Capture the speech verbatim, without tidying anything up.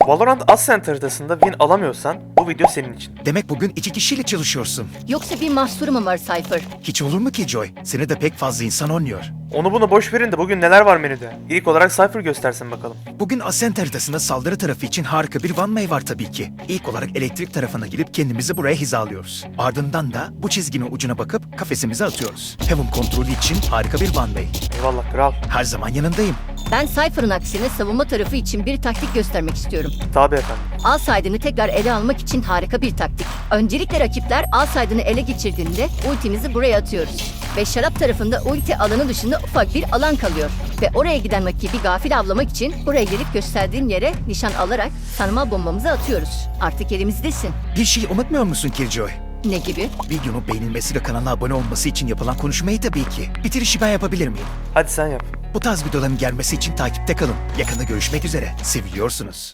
Valorant Ascent haritasında win alamıyorsan bu video senin için. Demek bugün iki kişiyle çalışıyorsun. Yoksa bir mahsuru mu var Cypher? Hiç olur mu ki Joy? Seni de pek fazla insan oynuyor. Onu bunu boş verin de bugün neler var menüde? İlk olarak Cypher göstersin bakalım. Bugün Ascent haritasında saldırı tarafı için harika bir one way var tabii ki. İlk olarak elektrik tarafına gidip kendimizi buraya hizalıyoruz. Ardından da bu çizginin ucuna bakıp kafesimize atıyoruz. Heaven kontrolü için harika bir one way. Eyvallah kral. Her zaman yanındayım. Ben Cypher'ın aksine savunma tarafı için bir taktik göstermek istiyorum. Tabi efendim. A side'ını tekrar ele almak için harika bir taktik. Öncelikle rakipler A side'ını ele geçirdiğinde ultimizi buraya atıyoruz. Ve şarap tarafında ulti alanı dışında ufak bir alan kalıyor. Ve oraya giden rakibi gafil avlamak için buraya gelip gösterdiğim yere nişan alarak sarmal bombamızı atıyoruz. Artık elimizdesin. Bir şey unutmuyor musun Killjoy? Ne gibi? Videonun beğenilmesi ve kanala abone olması için yapılan konuşmayı tabii ki. Bitirişi ben yapabilir miyim? Hadi sen yap. Bu tarz videoların gelmesi için takipte kalın. Yakında görüşmek üzere. Seviliyorsunuz.